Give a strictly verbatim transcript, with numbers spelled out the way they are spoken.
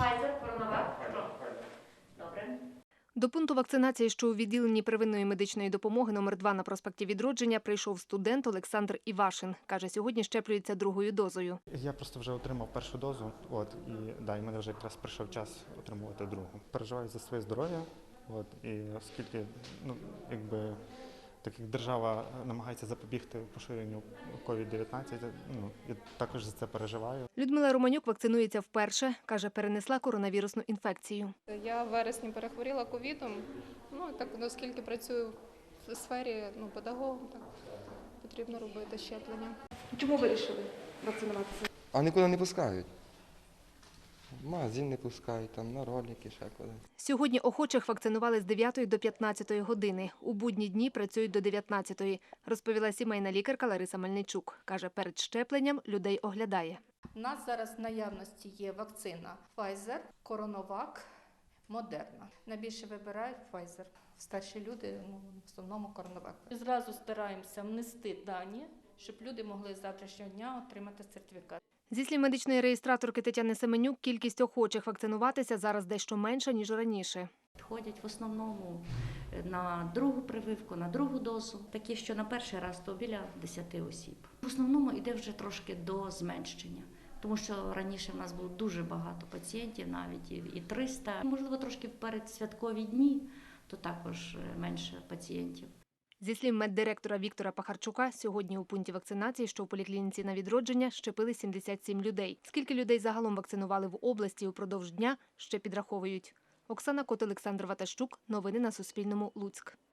Pfizer, коронавак? Добре. До пункту вакцинації, що у відділенні первинної медичної допомоги номер два на проспекті Відродження, прийшов студент Олександр Івашин. Каже, сьогодні щеплюється другою дозою. Я просто вже отримав першу дозу, от, і да, і мене вже якраз прийшов час отримувати другу. Переживаю за своє здоров'я, от, і оскільки, ну, якби, так як держава намагається запобігти поширенню ковід дев'ятнадцять, ну, я також за це переживаю. Людмила Романюк вакцинується вперше. Каже, перенесла коронавірусну інфекцію. Я в вересні перехворіла ковідом. Ну, так, оскільки працюю в сфері ну, педагогом, так потрібно робити щеплення. Чому вирішили вакцинуватися? А нікуди не пускають. В магазин не пускають, там на ролики, ще куди. Сьогодні охочих вакцинували з дев'ятої до п'ятнадцятої години. У будні дні працюють до дев'ятнадцятої, розповіла сімейна лікарка Лариса Мельничук. Каже, перед щепленням людей оглядає. У нас зараз в наявності є вакцина Pfizer, коронавак, Модерна. Найбільше вибирають Pfizer. Старші люди, ну, в основному коронавак. Зразу стараємося внести дані, щоб люди могли з завтрашнього дня отримати сертифікат. Зі слів медичної реєстраторки Тетяни Семенюк, кількість охочих вакцинуватися зараз дещо менша, ніж раніше. Ходять в основному на другу прививку, на другу дозу. Такі, що на перший раз, то біля десяти осіб. В основному йде вже трошки до зменшення. Тому що раніше в нас було дуже багато пацієнтів, навіть і триста. Можливо, трошки в передсвяткові дні, то також менше пацієнтів. Зі слів меддиректора Віктора Пахарчука, сьогодні у пункті вакцинації, що у поліклініці на Відродження, щепили сімдесят сім людей. Скільки людей загалом вакцинували в області упродовж дня, ще підраховують. Оксана Кот, Олександр Ватащук. Новини на Суспільному. Луцьк.